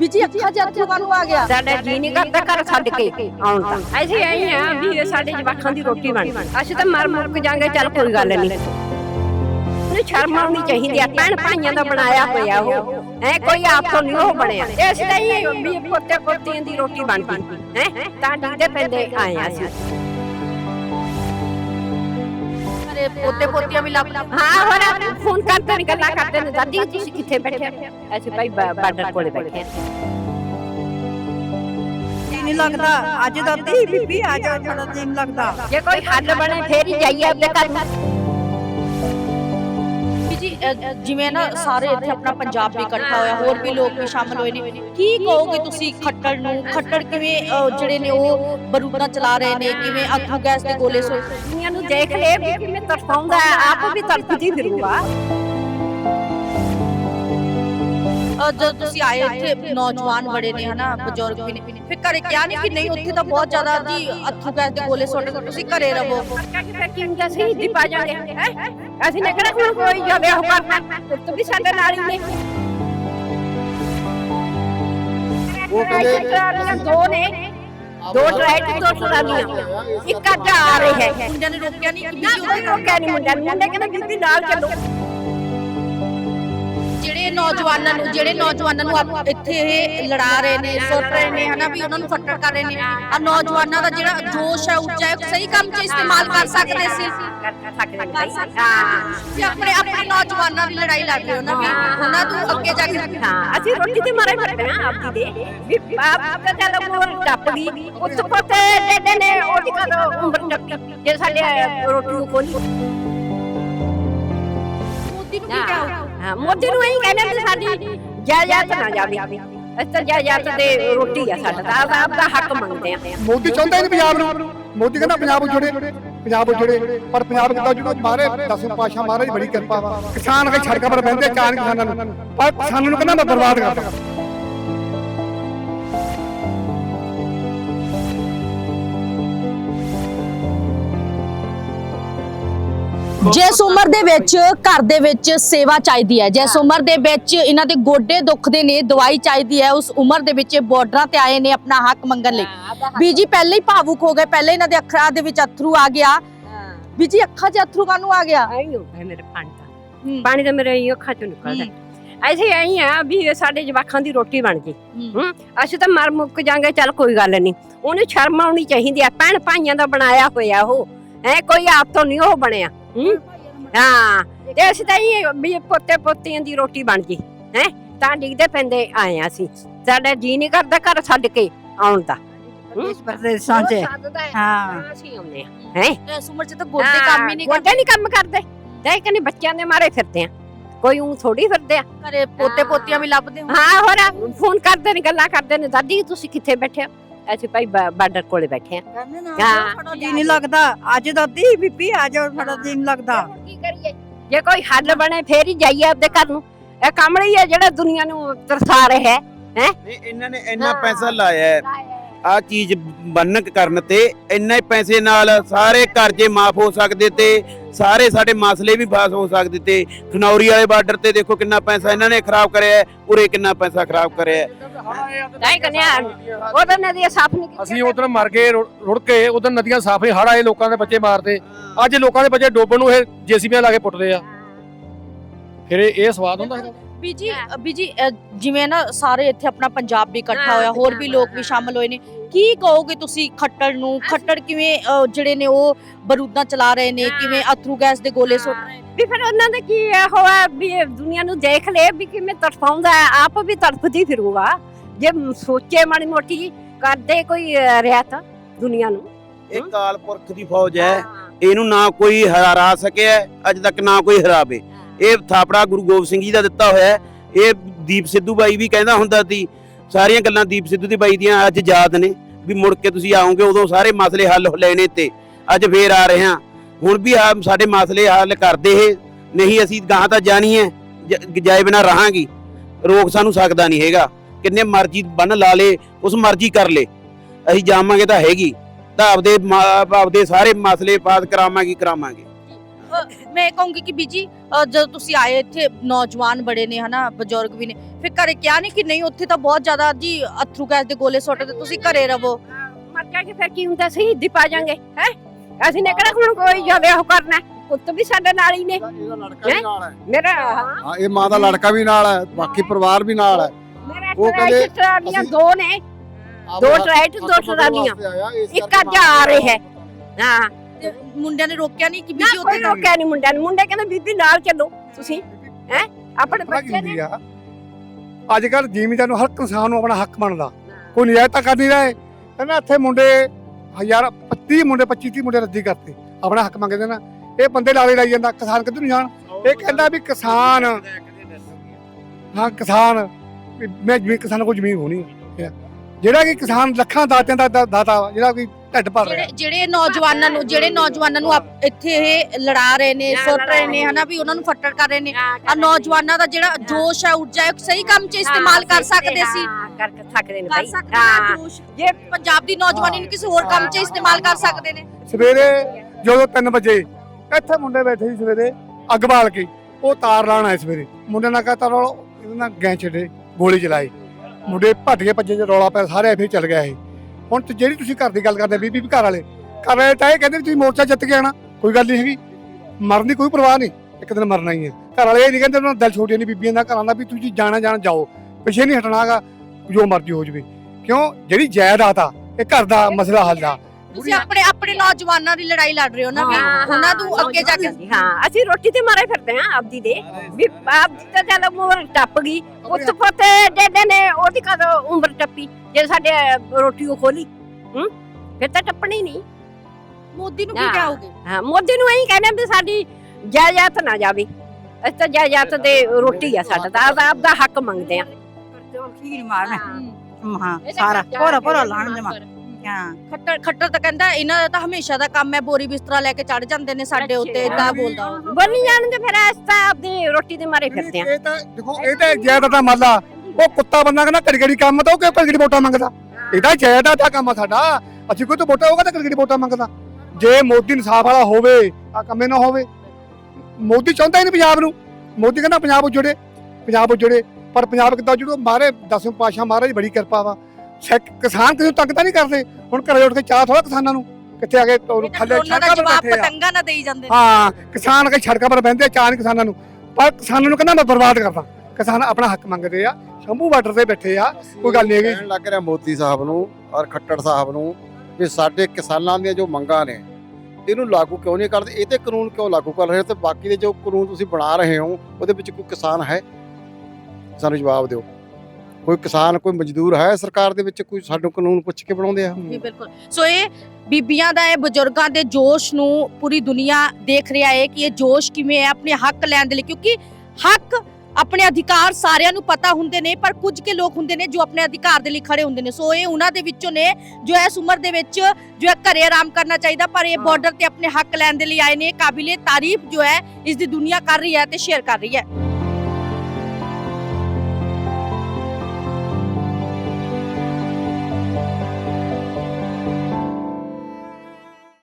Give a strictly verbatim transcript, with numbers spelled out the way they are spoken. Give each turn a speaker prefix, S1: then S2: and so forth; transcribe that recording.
S1: बीजी अखा च अथरू कानू आ गया
S2: साडा जी नहीं करदा घर छड्ड के आउण दा ऐसे आई आ भी साडे जवाखां दी रोटी बन असीं तां मर मुक जांगे चल कोई गल नहीं नु शर्म आउणी चाहीदी आ भैण भाईयां दा बनाया होया हो है कोई आप तो नहीं हो बनया इस ताईं भी पोते पोतियां दी रोटी बन गई है तां डिगदे पैंदे आए आ असीं
S1: अरे पोते पोतियां भी लग
S2: हां और फोन करते ने गल्लां करते ने दादी तुसीं किथे बैठे ऐसे भाई बार्डर कोले बैठे
S3: नहीं लगता अज दादी बीबी आ जाओ थोड़ा दिन लगता
S2: जे कोई हल बने फिर ही जाइए अपने घर
S1: जी जिवें ना सारे इत्थे अपना पंजाब भी इकट्ठा होया होर भी लोग भी शामिल होए ने की कहोगे तुसी खट्टर नूं खट्टर किवें ਜਿਹੜੇ ਨੇ ਉਹ ਬਰੂਦਾਂ ਚਲਾ ਰਹੇ ਨੇ ਕਿਵੇਂ ਅੱਥੂ ਗੈਸ ਦੇ ਗੋਲੇ ਸੋ
S2: ਦੁਨੀਆ ਨੂੰ ਦੇਖ ਲੈ ਵੀ ਕਿਵੇਂ ਤਰਸਾਉਂਦਾ ਆਪ ਵੀ ਤੜਫਦੀ ਫਿਰੂਗਾ
S1: जब तुसी आए इत्थे नौजवान बड़े ने हना बजुर्ग भी ने फिर घरे क्या नहीं कि नहीं उत्थे तो बहुत ज्यादा जी अथू गैस दे गोले सुट के तुसी घरे रहो
S2: किंगा शहीदी पा जागे ਅਸੀਂ ਨੇ ਕਿਹੜਾ ਹੁਣ ਕੋਈ ਜਾਵੇ ਉਹ ਕਰਨਾ ਤੂੰ ਵੀ ਸਾਡੇ ਨਾਲ ਹੀ ਨੇ
S4: ਉਹ ਕਹਿੰਦੇ
S2: ਦੋ ਨੇ ਦੋ ਟਰੈਕਟਰ ਤੋਂ ਟਰਾਲੀਆਂ ਇੱਕ ਅੱਡਾ ਆ ਰਹੀ ਹੈ
S1: ਮੁੰਡਿਆਂ ਨੇ ਰੋਕਿਆ ਨਹੀਂ
S2: ਨਾ ਕੋਈ ਰੋਕਿਆ ਨਹੀਂ ਮੁੰਡਾ ਮੁੰਡੇ ਕਹਿੰਦੇ ਬੀਬੀ ਨਾਲ ਚੱਲੋ
S1: ਜਿਹੜੇ ਨੌਜਵਾਨਾਂ ਨੂੰ ਜਿਹੜੇ ਨੌਜਵਾਨਾਂ ਨੂੰ ਇੱਥੇ ਇਹ ਲੜਾ ਰਹੇ ਨੇ ਸੁੱਟ ਰਹੇ ਨੇ ਹਨਾ ਵੀ ਉਹਨਾਂ ਨੂੰ ਫੱਟੜ ਕਰ ਰਹੇ ਨੇ ਆ ਨੌਜਵਾਨਾਂ ਦਾ ਜਿਹੜਾ ਜੋਸ਼ ਹੈ ਉੱਚਾ ਹੈ ਸਹੀ ਕੰਮ 'ਚ ਇਸਤੇਮਾਲ ਕਰ ਸਕਦੇ ਸੀ ਵੀ ਆਪਣੇ ਆਪਣੇ ਨੌਜਵਾਨਾਂ ਦੀ ਲੜਾਈ ਲੜ ਰਹੇ ਹੋ ਨਾ ਵੀ ਉਹਨਾਂ ਨੂੰ ਅੱਗੇ ਜਾ ਕੇ
S2: ਹਾਂ ਅਸੀਂ ਰੋਟੀ ਤੇ ਮਾਰੇ ਫਿਰਦੇ ਹਾਂ ਆਪਦੀ ਦੇ ਵੀ ਬਾਪ ਤਾਂ ਚੱਲ ਮੋਰ ਟੱਪ ਗਈ ਉਸ ਪੋਤੇ ਜਿਹੜੇ ਨੇ ਉਹਦੀ ਕਦੋਂ ਉਮਰ ਟੱਪੀ ਜੇ ਸਾਡੇ ਰੋਟੀ ਨੂੰ ਕੋਈ
S1: ਮੋਦੀ ਨੂੰ ਕੀ ਕਹੋ
S2: ਹਾਂ ਮੋਦੀ ਨੂੰ ਇਹੀ ਕਹਿੰਦੇ ਨੇ ਸਾਡੀ ਜਾਇਦਾਦ ਨਾ ਜਾਵੇ ਅਸੀਂ ਤਾਂ ਜਾਇਦਾਦ ਤੇ ਰੋਟੀ ਆ ਸਾਡਾ ਤਾਂ ਆਪ ਦਾ ਹੱਕ ਮੰਗਦੇ ਆ
S4: ਮੋਦੀ ਚਾਹੁੰਦਾ ਹੀ ਨਹੀਂ ਪੰਜਾਬ ਨੂੰ ਮੋਦੀ ਕਹਿੰਦਾ ਪੰਜਾਬ ਉਜੜੇ ਪੰਜਾਬ ਉਜੜੇ ਪਰ ਪੰਜਾਬ ਕਿੱਦਾਂ ਜਿਹੜਾ ਮਾਰੇ ਦਸਵੇਂ ਪਾਤਸ਼ਾਹ ਮਹਾਰਾਜ ਬੜੀ ਕਿਰਪਾ ਵਾ ਕਿਸਾਨ ਕੇ ਸੜਕਾਂ ਪਰ ਬਹਿੰਦੇ ਚਾਰ ਕਿਸਾਨਾਂ ਨੂੰ ਪਰ ਕਿਸਾਨਾਂ ਨੂੰ ਕਹਿੰਦਾ ਮੈਂ ਬਰਬਾਦ ਕਰਦਾ
S1: ਜਿਸ ਉਮਰ ਦੇ ਵਿੱਚ ਘਰ ਦੇ ਵਿੱਚ ਸੇਵਾ ਚਾਹੀਦੀ ਹੈ ਜਿਸ ਉਮਰ ਦੇ ਵਿੱਚ ਇਹਨਾਂ ਦੇ ਗੋਡੇ ਦੁਖਦੇ ਨੇ ਦਵਾਈ ਚਾਹੀਦੀ ਹੈ ਉਸ ਉਮਰ ਦੇ ਵਿੱਚ ਬਾਰਡਰਾਂ ਤੇ ਆਏ ਨੇ ਆਪਣਾ ਹੱਕ ਮੰਗਣ ਲਈ ਬੀਜੀ ਪਹਿਲੇ ਹੀ ਭਾਵੁਕ ਹੋ ਗਏ ਪਹਿਲੇ ਇਹਨਾਂ ਦੇ ਅੱਖਰਾਂ ਦੇ ਵਿੱਚ ਅਥਰੂ ਆ ਗਿਆ ਬੀਜੀ ਅੱਖਾਂ 'ਚ ਅਥਰੂ ਕਾਹਨੂੰ ਆ ਗਿਆ
S2: ਆਈ ਹੋ ਹੈ ਮੇਰੇ ਪਾਣੀ ਦਾ ਪਾਣੀ ਤਾਂ ਮੇਰੇ ਅੱਖਾਂ 'ਚੋਂ ਨਿਕਲਦਾ ਐਸੇ ਆਈ ਆ ਵੀ ਸਾਡੇ ਜਵਾਖਾਂ ਦੀ ਰੋਟੀ ਬਣ ਗਈ ਹੂੰ ਅਸੀਂ ਤਾਂ ਮਰ ਮੁੱਕ ਜਾਾਂਗੇ ਚੱਲ ਕੋਈ ਗੱਲ ਨਹੀਂ ਉਹਨੂੰ ਸ਼ਰਮ ਆਉਣੀ ਚਾਹੀਦੀ ਆ ਭੈਣ ਭਾਈਆਂ ਦਾ ਬਣਾਇਆ ਹੋਇਆ ਉਹ ਹੈ ਕੋਈ ਆਪ ਤੋਂ ਨਹੀਂ ਉਹ ਬਣਿਆ ਹਾਂ ਤੇ ਅਸੀਂ ਤਾਂ ਇਹ ਪੋਤੇ ਪੋਤੀਆਂ ਦੀ ਰੋਟੀ ਬਣ ਗਈ ਹੈ ਤਾਂ ਡਿੱਗਦੇ ਪੈਂਦੇ ਆਏ ਆ ਅਸੀਂ ਸਾਡਾ ਜੀ ਨਹੀਂ ਕਰਦਾ ਘਰ ਛੱਡ ਕੇ ਆਉਣ ਦਾ
S3: देश प्रदेशों से हाँ
S2: ਅਸੀਂ ਆਉਂਦੇ ਆ ਹੈ
S1: ਇਸ ਉਮਰ 'ਚ ਤਾਂ ਗੋਡੇ ਕੰਮ ਹੀ ਨਹੀਂ
S2: ਗੋਡੇ ਨਹੀਂ ਕੰਮ ਕਰਦੇ ਤੇ ਕਹਿੰਦੇ ਬੱਚਿਆਂ ਦੇ ਮਾਰੇ ਫਿਰਦੇ ਆ ਕੋਈ ਉਹ ਥੋੜੀ ਫਿਰਦੇ ਆ
S1: ਘਰੇ ਪੋਤੇ ਪੋਤੀਆਂ ਵੀ ਲੱਭਦੇ ਹੋ
S2: ਹਾਂ ਹੋਰ ਫੋਨ ਕਰਦੇ ਨੇ ਗੱਲਾਂ ਕਰਦੇ ਨੇ ਦਾਦੀ ਤੁਸੀਂ ਕਿੱਥੇ ਬੈਠੇ ਹੋ ਅਸੀਂ ਭਾਈ ਬਾਰਡਰ ਕੋਲੇ ਬੈਠੇ ਆ
S3: थोड़ा दिन नहीं लगता अज दादी बीबी आ जाओ थोड़ा दिन लगता
S2: ਕੀ ਕਰੀਏ ਜੇ ਕੋਈ ਹੱਲ ਬਣੇ ਫੇਰ ਹੀ ਜਾਈਏ ਆਪਦੇ ਘਰ ਨੂੰ ਇਹ ਕਮਲੀ ਹੈ ਜਿਹੜਾ ਦੁਨੀਆ ਨੂੰ ਤਰਸਾ ਰਿਹਾ ਹੈ ਹੈ
S5: ਨਹੀਂ ਇਹਨਾਂ ਨੇ ਇੰਨਾ ਪੈਸਾ ਲਾਇਆ ਆ ਚੀਜ਼ ਬੰਨਕ ਕਰਨ ਤੇ ਇੰਨੇ ਪੈਸੇ ਨਾਲ ਸਾਰੇ ਕਰਜ਼ੇ ਮਾਫ ਹੋ ਸਕਦੇ ਤੇ ਸਾਰੇ ਸਾਡੇ ਮਸਲੇ ਵੀ ਫਾਸ ਹੋ ਸਕਦੇ ਤੇ ਖਨੌਰੀ ਵਾਲੇ ਬਾਰਡਰ ਤੇ ਦੇਖੋ ਕਿੰਨਾ ਪੈਸਾ ਇਹਨਾਂ ਨੇ ਖਰਾਬ ਕਰਿਆ ਉਰੇ ਕਿੰਨਾ ਪੈਸਾ ਖਰਾਬ ਕਰਿਆ
S2: ਨਹੀਂ ਕਨਿਆ ਉਹਦਾ ਨਦੀਆਂ ਸਾਫ਼ ਨਹੀਂ
S6: ਅਸੀਂ ਉਧਰ ਮਰ ਗਏ ਰੁੜ ਕੇ ਉਧਰ ਨਦੀਆਂ ਸਾਫ਼ ਨਹੀਂ ਹੜ ਆਏ ਲੋਕਾਂ ਦੇ ਬੱਚੇ ਮਾਰਦੇ ਅੱਜ ਲੋਕਾਂ ਦੇ ਬੱਚੇ ਡੋਬਣ ਨੂੰ ਇਹ ਜੇਸੀਬੀਆਂ ਲਾ ਕੇ ਪੁੱਟਦੇ ਆ ਫਿਰ ਇਹ ਸਵਾਦ ਹੁੰਦਾ ਹੈ
S1: ਬੀਜੀ ਬੀਜੀ ਜਿਵੇਂ ਨਾ ਸਾਰੇ ਇੱਥੇ ਆਪਣਾ ਪੰਜਾਬ ਵੀ ਇਕੱਠਾ ਹੋਇਆ ਹੋਰ ਵੀ ਲੋਕ ਵੀ ਸ਼ਾਮਲ ਹੋਏ ਨੇ ਕੀ ਕਹੋਗੇ ਤੁਸੀਂ ਖੱਟੜ ਨੂੰ ਖੱਟੜ ਕਿਵੇਂ ਜਿਹੜੇ ਨੇ ਉਹ ਬਰੂਦਾਂ ਚਲਾ ਰਹੇ ਨੇ ਕਿਵੇਂ ਅਥਰੂ ਗੈਸ ਦੇ ਗੋਲੇ ਸੁੱਟ ਰਹੇ ਨੇ
S2: ਵੀ ਫਿਰ ਉਹਨਾਂ ਦਾ ਕੀ ਹੋਇਆ ਵੀ ਦੁਨੀਆ ਨੂੰ ਦੇਖ ਲੈ ਵੀ ਕਿਵੇਂ ਤੜਫਾਉਂਦਾ ਆਪ ਵੀ ਤੜਫਦੀ ਫਿਰੂਗਾ ਜੇ ਸੋਚੇ ਮਾੜੀ ਮੋਟੀ ਕਰਦੇ ਕੋਈ ਰਿਆਤ ਦੁਨੀਆ ਨੂੰ
S5: ਇਹ ਕਾਲ ਪੁਰਖ ਦੀ ਫੌਜ ਹੈ ਇਹਨੂੰ ਨਾ ਕੋਈ ਹਰਾ ਸਕਿਆ ਅੱਜ ਤੱਕ ਨਾ ਕੋਈ ਹਰਾਵੇ ਇਹ ਥਾਪੜਾ ਗੁਰੂ ਗੋਬਿੰਦ ਸਿੰਘ ਜੀ ਦਾ ਦਿੱਤਾ ਹੋਇਆ ਇਹ ਦੀਪ ਸਿੱਧੂ ਬਾਈ ਵੀ ਕਹਿੰਦਾ ਹੁੰਦਾ ਸੀ ਸਾਰੀਆਂ ਗੱਲਾਂ ਦੀਪ ਸਿੱਧੂ ਦੀ ਬਾਈ ਦੀਆਂ ਅੱਜ ਯਾਦ ਨੇ ਵੀ ਮੁੜ ਕੇ ਤੁਸੀਂ ਆਓਗੇ ਉਦੋਂ ਸਾਰੇ ਮਸਲੇ ਹੱਲ ਲੈਣੇ ਤੇ ਅੱਜ ਫੇਰ ਆ ਰਹੇ ਹਾਂ ਹੁਣ ਵੀ ਆ ਸਾਡੇ ਮਸਲੇ ਹੱਲ ਕਰਦੇ ਇਹ ਨਹੀਂ ਅਸੀਂ ਗਾਹਾਂ ਤਾਂ ਜਾਣੀ ਹੈ ਜਾਏ ਬਿਨਾ ਰਹਾਂਗੀ ਰੋਕ ਸਾਨੂੰ ਸਕਦਾ ਨਹੀਂ ਹੈਗਾ ਕਿੰਨੇ ਮਰਜ਼ੀ ਬੰਨ ਲਾ ਲੇ ਉਸ ਮਰਜ਼ੀ ਕਰ ਲੇ ਅਸੀਂ ਜਾਵਾਂਗੇ ਤਾਂ ਹੈਗੀ ਤਾਂ ਆਪਦੇ ਆਪਦੇ ਸਾਰੇ ਮਸਲੇ ਪਾਸ ਕਰਾਵਾਂਗੇ ਕਰਾਵਾਂਗੇ
S1: ਮੈਂ ਇਹ ਕਹੂੰਗੀ ਕਿ ਬੀਜੀ ਅ, ਜਦੋਂ ਤੁਸੀਂ ਆਏ ਇੱਥੇ ਨੌਜਵਾਨ ਬੜੇ ਨੇ ਹਨਾ ਬਜ਼ੁਰਗ ਵੀ ਨੇ ਫਿਰ ਘਰੇ ਕਿਹਾ ਨਹੀਂ ਕਿ ਨਹੀਂ ਉੱਥੇ ਤਾਂ ਬਹੁਤ ਜ਼ਿਆਦਾ ਜੀ ਅਥਰੂ ਗੈਸ ਦੇ ਗੋਲੇ ਸੁੱਟਦੇ ਤੁਸੀਂ ਘਰੇ ਰਹੋ।
S2: ਮਰ ਜਾਗੇ ਫਿਰ ਕੀ ਹੁੰਦਾ ਸ਼ਹੀਦੀ ਪਾ ਜਾਾਂਗੇ ਹੈ ਅਸੀਂ ਨੇ ਕਿਹੜਾ ਹੁਣ ਕੋਈ ਜ਼ਿਆਦਾ ਉਹ ਕਰਨਾ ਪੁੱਤ ਵੀ ਸਾਡੇ ਨਾਲ ਹੀ ਨੇ
S7: ਇਹਦਾ ਲੜਕਾ ਵੀ ਨਾਲ ਹੈ
S2: ਮੇਰਾ ਹਾਂ
S7: ਹਾਂ ਇਹ ਮਾਂ ਦਾ ਲੜਕਾ ਵੀ ਨਾਲ ਹੈ ਬਾਕੀ ਪਰਿਵਾਰ ਵੀ ਨਾਲ ਹੈ
S2: ਮੇਰਾ
S7: ਉਹ ਕਹਿੰਦੇ
S2: ਟਰਾਲੀਆਂ
S7: ਅਸੀਂ-
S2: ਦੋ ਨੇ ਦੋ ਟਰੈਕਟ ਦੋ ਟਰਾਲੀਆਂ ਇੱਕ ਅੱਜ ਆ ਰਹੇ ਹੈ ਹਾਂ
S1: ਤੇ ਮੁੰਡਿਆਂ ਨੇ ਰੋਕਿਆ ਨਹੀਂ ਕਿ
S2: ਨਾ
S1: ਬੀਜੀ
S2: ਕੋਈ
S1: ਉੱਥੇ
S2: ਰੋਕਿਆ ਨਹੀਂ ਮੁੰਡਿਆਂ ਨੂੰ ਮੁੰਡੇ ਕਹਿੰਦੇ ਬੀਬੀ ਨਾਲ ਚੱਲੋ ਤੁਸੀਂ ਹੈ ਆਪਣੇ
S4: ਪਤਾ ਕੀ
S2: ਬੱਚੇ
S4: ਹੁੰਦੀ
S2: ਨੇ
S4: ਆ ਅੱਜ ਕੱਲ ਜ਼ਿਮੀਂਦਾਰ ਨੂੰ ਹਰ ਇਨਸਾਨ ਨੂੰ ਆਪਣਾ ਹੱਕ ਬਣਦਾ ਕੋਈ ਨਜਾਇਜ਼ ਤਾਂ ਕਰ ਨਹੀਂ ਰਹੇ ਕਹਿੰਦਾ ਇੱਥੇ ਮੁੰਡੇ ਹਜ਼ਾਰ ਪੱਚੀ ਮੁੰਡੇ ਪੱਚੀ ਤੀਹ ਮੁੰਡੇ ਰੱਦੀ ਕਰਤੇ ਆਪਣਾ ਹੱਕ ਮੰਗਦੇ ਨਾ ਇਹ ਬੰਦੇ ਲਾਲੇ ਲਾਈ ਜਾਂਦਾ ਕਿਸਾਨ ਕਿੱਧਰ ਨੂੰ ਜਾਣ ਇਹ ਕਹਿੰਦਾ ਵੀ ਕਿਸਾਨ ਹਾਂ ਕਿਸਾਨ ਵੀ ਮੈਂ ਜ਼ਮੀਨ ਕਿਸਾਨ ਕੋਲ ਜ਼ਮੀਨ ਹੋਣੀ ਹੈ ਜਿਹੜਾ ਕਿ ਕਿਸਾਨ ਲੱਖਾਂ ਦਾਤਿਆਂ ਦਾ ਦਾ- ਦਾਤਾ ਵਾ, ਜਿਹੜਾ ਕਿ ਢਿੱਡ ਭਰ ਰਿਹਾ
S1: ਜਿਹੜੇ ਜਿਹੜੇ ਨੌਜਵਾਨਾਂ ਨੂੰ ਜਿਹੜੇ ਨੌਜਵਾਨਾਂ ਨੂੰ ਆਪ- ਇੱਥੇ ਇਹ ਲੜਾ ਰਹੇ ਨੇ
S2: ਹਾਂ,
S1: ਸੁੱਟ
S2: ਲੜਾ
S1: ਰਹੇ ਨੇ
S2: ਰਹੇ
S1: ਹਨਾ ਵੀ ਉਹਨਾਂ ਨੂੰ ਫੱਟੜ ਕਰ ਰਹੇ ਨੇ
S2: ਹਾਂ,
S1: ਆ ਨੌਜਵਾਨਾਂ ਦਾ ਜਿਹੜਾ ਜੋਸ਼ ਹੈ ਊਰਜਾ ਹੈ ਉਹ ਸਹੀ ਕੰਮ 'ਚ ਇਸਤੇਮਾਲ ਕਰ ਸਕਦੇ ਸੀ
S2: ਹਾਂ ਕਰ ਸਕਦੇ ਨੇ
S1: ਕਰ
S2: ਭਾਈ
S1: ਸਕਦੇ ਨੇ
S2: ਹਾਂ
S1: ਜੋਸ਼ ਜੇ ਪੰਜਾਬ ਦੀ ਨੌਜਵਾਨੀ ਨੂੰ ਕਿਸੇ ਹੋਰ ਕੰਮ 'ਚ ਇਸਤੇਮਾਲ ਕਰ ਸਕਦੇ ਨੇ।
S4: ਸਵੇਰੇ ਜਦੋਂ ਤਿੰਨ ਵਜੇ ਇੱਥੇ ਮੁੰਡੇ ਬੈਠੇ ਸੀ ਸਵੇਰੇ ਅੱਗ ਬਾਲ ਕੇ ਉਹ ਤਾਰ ਲਾਣ ਆਏ ਸਵੇਰੇ ਮੁੰਡੇ ਨਾਲ ਕਹਤਾ ਰੋਲ ਇਹਨਾਂ ਨਾਲ ਗੈਂ ਛੱਡੇ ਗੋਲੀ ਚਲਾਈ ਮੁੰਡੇ ਭੱਜ ਕੇ ਭੱਜੇ ਚ ਰੌਲਾ ਪਿਆ ਸਾਰੇ ਫਿਰ ਚੱਲ ਗਿਆ ਇਹ ਹੁਣ ਤੇ ਜਿਹੜੀ ਤੁਸੀਂ ਘਰ ਦੀ ਗੱਲ ਕਰਦੇ ਬੀਬੀ ਵੀ ਘਰ ਵਾਲੇ ਘਰ ਵਾਲੇ ਤਾਂ ਇਹ ਕਹਿੰਦੇ ਵੀ ਤੁਸੀਂ ਮੋਰਚਾ ਜਿੱਤ ਕੇ ਆਣਾ ਕੋਈ ਗੱਲ ਨਹੀਂ ਹੈਗੀ ਮਰਨ ਦੀ ਕੋਈ ਪਰਵਾਹ ਨਹੀਂ ਇੱਕ ਦਿਨ ਮਰਨਾ ਹੀ ਹੈ ਘਰ ਵਾਲੇ ਇਹ ਨਹੀਂ ਕਹਿੰਦੇ ਉਹਨਾਂ ਦਾ ਦਿਲ ਛੋਟੀਆਂ ਨਹੀਂ ਬੀਬੀਆਂ ਦਾ ਘਰਾਂ ਦਾ ਵੀ ਤੁਸੀਂ ਜਾਣਾ ਜਾਣ ਜਾਓ ਪਿੱਛੇ ਨਹੀਂ ਹਟਣਾਗਾ ਜੋ ਮਰਜ਼ੀ ਹੋ ਜਵੇ ਕਿਉਂ ਜਿਹੜੀ ਜਾਇਦਾਦ ਆ ਇਹ ਘਰ ਦਾ ਮਸਲਾ ਹੱਲ ਆ
S1: ਤੁਸੀਂ ਆਪਣੇ ਆਪਣੇ ਨੌਜਵਾਨਾਂ ਦੀ ਲੜਾਈ ਲੜ ਰਹੇ ਹੋ ਨਾ ਵੀ
S2: ਹਾਂ,
S1: ਉਹਨਾਂ ਨੂੰ
S2: ਹਾਂ,
S1: ਅੱਗੇ ਜਾ ਕੇ
S2: ਹਾਂ ਅਸੀਂ ਰੋਟੀ ਤੇ ਮਾਰੇ ਫਿਰਦੇ ਹਾਂ ਆਪਦੀ ਦੇ ਵੀ ਆਪਦੀ ਤਾਂ ਚੱਲ ਉਮਰ ਟੱਪ ਗਈ ਪੁੱਤ ਪੁੱਤ ਡੇਡੇ ਨੇ ਉਹਦੀ ਕਦੋਂ ਉਮਰ ਟੱਪੀ ਜੇ ਸਾਡੇ ਰੋਟੀ ਉਹ ਖੋਲੀ ਹੂੰ ਫਿਰ ਤਾਂ ਟੱਪਣੀ ਨਹੀਂ
S1: ਮੋਦੀ ਨੂੰ ਕੀ
S2: ਹਾਂ।
S1: ਕਹੋਗੇ?
S2: ਹਾਂ ਮੋਦੀ ਨੂੰ ਇਹੀ ਕਹਿੰਦੇ ਵੀ ਸਾਡੀ ਜਾਇਦਾਦ ਨਾ ਜਾਵੇ ਅਸੀਂ ਤਾਂ ਜਾਇਦਾਦ ਦੇ ਰੋਟੀ ਆ ਸਾਡਾ ਤਾਂ ਆਪਦਾ- ਆਪਦਾ ਹੱਕ ਮੰਗਦੇ ਆ
S3: ਖੀਰ ਮਾਰਨਾ
S1: ਹਮ।
S3: ਹਾਂ ਸਾਰਾ ਪੂਰਾ ਪੂਰਾ ਲਾਣ ਜਮਾ ਹਾਂ
S1: ਖੱਟਰ ਖੱਟਰ ਤਾਂ ਕਹਿੰਦਾ ਇਹਨਾਂ ਦਾ ਤਾਂ ਹਮੇਸ਼ਾ ਦਾ ਕੰਮ ਹੈ ਬੋਰੀ ਬਿਸਤਰਾ ਲੈ ਕੇ ਚੜ ਜਾਂਦੇ ਨੇ ਸਾਡੇ ਉੱਤੇ ਇਦਾਂ ਬੋਲਦਾ ਉਹ।
S2: ਬੋਲੀ ਜਾਣਗੇ ਫਿਰ ਇਸ ਤਾਂ ਆਪਦੀ ਰੋਟੀ ਤੇ ਮਾਰੇ ਫਿਰਦੇ ਆ
S4: ਇਹ ਤਾਂ ਦੇਖੋ ਇਹ ਤਾਂ ਜਾਇਦਾਦ ਦਾ ਮਸਲਾ ਉਹ ਕੁੱਤਾ ਬੰਦਾ ਕਹਿੰਦਾ ਕੜਕੜੀ ਕੰਮ ਤਾਂ ਉਹ ਕਿਉਂ ਕੜਕੜੀ ਵੋਟਾਂ ਮੰਗਦਾ ਇਹਦਾ ਜਾਇਦਾਦ ਦਾ ਕੰਮ ਆ ਸਾਡਾ ਅਸੀਂ ਕੋਈ ਤਾਂ ਵੋਟਾਂ ਹੋਗਾ ਤਾਂ ਕੜਕੜੀ ਵੋਟਾਂ ਮੰਗਦਾ ਜੇ ਮੋਦੀ ਇਨਸਾਫ ਵਾਲਾ ਹੋਵੇ ਆ ਕੰਮੇ ਨਾ ਹੋਵੇ ਮੋਦੀ ਚਾਹੁੰਦਾ ਹੀ ਨਹੀਂ ਪੰਜਾਬ ਨੂੰ ਮੋਦੀ ਕਹਿੰਦਾ ਪੰਜਾਬ ਉਜੜੇ ਪੰਜਾਬ ਉਜੜੇ ਪਰ ਪੰਜਾਬ ਕਿੱਦਾਂ ਉਜੜੂ ਮਾਰੇ ਦਸਵੇਂ ਪਾਤਸ਼ਾਹ ਮਹਾਰਾਜ ਬੜੀ ਕਿਰਪਾ ਵਾ ਸਿੱਖ ਕਿਸਾਨ ਕਿਸੇ ਨੂੰ ਤੰਗ ਤਾਂ ਨਹੀਂ ਕਰਦੇ ਹੁਣ ਘਰੇ ਉੱਠ ਕੇ ਚਾਹ ਥੋੜਾ ਕਿਸਾਨਾਂ ਨੂੰ ਕਿੱਥੇ ਆ ਕੇ
S1: ਇਹ ਤਾਂ
S4: ਥੱਲੇ
S1: ਉਹਨਾਂ ਦਾ
S4: ਸੜਕਾਂ 'ਤੇ
S1: ਜਵਾਬ
S4: ਬੈਠੇ ਆ
S1: ਪਤੰਗਾਂ ਨਾ ਦੇਈ ਜਾਂਦੇ ਨੇ।
S4: ਹਾਂ ਕਿਸਾਨ ਕੇ ਸੜਕਾਂ 'ਤੇ ਬਹਿੰਦੇ ਆ ਚਾਹ ਨਹੀਂ ਕਿਸਾਨਾਂ ਨੂੰ ਪਰ ਕਿਸਾਨਾਂ ਨੂੰ ਕਹਿੰਦਾ ਮੈਂ ਬਰਬਾਦ ਕਰਦਾ ਕਿਸਾਨ ਆਪਣਾ ਹੱਕ ਮੰਗਦੇ ਆ ਸ਼ੰਭੂ ਬਾਰਡਰ ਤੇ ਬੈਠੇ ਆ ਕੋਈ ਗੱਲ ਨਹੀਂ ਹੈਗੀ
S7: ਕਹਿਣ ਲੱਗ ਰਿਹਾ ਮੋਦੀ ਸਾਹਿਬ ਨੂੰ ਔਰ ਖੱਟੜ ਸਾਹਿਬ ਨੂੰ ਵੀ ਸਾਡੇ ਕਿਸਾਨਾਂ ਦੀਆਂ ਜੋ ਮੰਗਾਂ ਨੇ ਇਹਨੂੰ ਲਾਗੂ ਕਿਉਂ ਨਹੀਂ ਕਰਦੇ ਇਹ ਤੇ ਕਾਨੂੰਨ ਕਿਉਂ ਲਾਗੂ ਕਰ ਰਹੇ ਹੋ ਤੇ ਬਾਕੀ ਦੇ ਜੋ ਕਾਨੂੰਨ ਤੁਸੀਂ ਬਣਾ ਰਹੇ ਹੋ ਉਹਦੇ ਵਿੱਚ ਕੋਈ ਕਿਸਾਨ ਹੈ ਸਾਨੂੰ ਜਵਾਬ ਦਿਓ ਕੋਈ ਕਿਸਾਨ ਕੋਈ ਮਜ਼ਦੂਰ ਹੈ ਸਰਕਾਰ ਦੇ ਵਿੱਚ ਕੋਈ ਸਾਨੂੰ ਕਾਨੂੰਨ ਪੁੱਛ ਕੇ ਬਣਾਉਂਦੇ ਆ
S1: ਜੀ ਬਿਲਕੁਲ ਸੋ ਇਹ ਬੀਬੀਆਂ ਦਾ ਇਹ ਬਜ਼ੁਰਗਾਂ ਦੇ ਜੋਸ਼ ਨੂੰ ਪੂਰੀ ਦੁਨੀਆ ਦੇਖ ਰਿਹਾ ਹੈ ਕਿ ਇਹ ਜੋਸ਼ ਕਿਵੇਂ ਹੈ ਆਪਣੇ ਹੱਕ ਲੈਣ ਦੇ ਲਈ ਕਿਉਂਕਿ ਹੱਕ ਆਪਣੇ ਅਧਿਕਾਰ ਸਾਰਿਆਂ ਨੂੰ ਪਤਾ ਹੁੰਦੇ ਨੇ ਪਰ ਕੁਝ ਕੇ ਲੋਕ ਹੁੰਦੇ ਨੇ ਜੋ ਆਪਣੇ ਅਧਿਕਾਰ ਦੇ ਲਈ ਖੜੇ ਹੁੰਦੇ ਨੇ ਸੋ ਇਹ ਉਹਨਾਂ ਦੇ ਵਿੱਚੋਂ ਨੇ ਜੋ ਇਸ ਉਮਰ ਦੇ ਵਿੱਚ ਜੋ ਹੈ ਘਰੇ ਆਰਾਮ ਕਰਨਾ ਚਾਹੀਦਾ ਪਰ ਇਹ ਬਾਰਡਰ ਤੇ ਆਪਣੇ ਹੱਕ ਲੈਣ ਦੇ ਲਈ ਆਏ ਨੇ ਕਾਬਿਲੇ ਤਾਰੀਫ ਜੋ ਹੈ ਇਸ ਦੀ ਦੁਨੀਆ ਕਰ ਰਹੀ ਹੈ ਤੇ ਸ਼ੇਅਰ ਕਰ ਰਹੀ ਹੈ।